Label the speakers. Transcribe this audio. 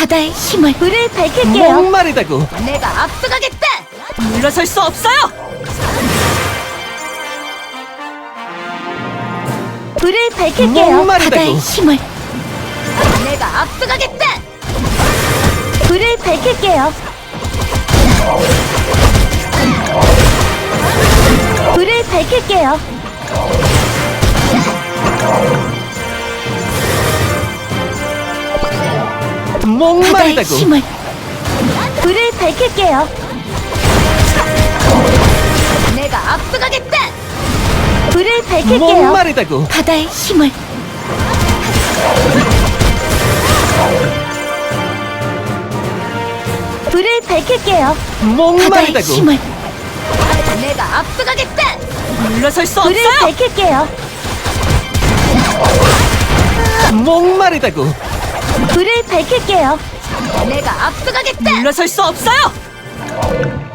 Speaker 1: 바다의 힘을 불을 밝힐게요.
Speaker 2: 목마르다고.
Speaker 1: 내가 앞서가겠다.
Speaker 2: 물러설 수 없어요.
Speaker 1: 불을 밝힐게요.
Speaker 2: 목마르다고.
Speaker 1: 바다의 힘을 내가 앞서가겠다. 불을 밝힐게요. 불을 밝힐게요. 바다의
Speaker 2: 목마르다고.
Speaker 1: 힘을 불을 밝힐게요. 내가 앞서가겠다. 불을 밝힐게요.
Speaker 2: 목마르다고.
Speaker 1: 바다의 힘을 불을 밝힐게요. 바다의
Speaker 2: 목마르다고.
Speaker 1: 힘을 내가 앞서가겠다.
Speaker 2: 물러설 수
Speaker 1: 불을
Speaker 2: 없어요.
Speaker 1: 밝힐게요.
Speaker 2: 목마르다고.
Speaker 1: 불을 밝힐게요. 내가 앞서가겠다.
Speaker 2: 물러설 수 없어요.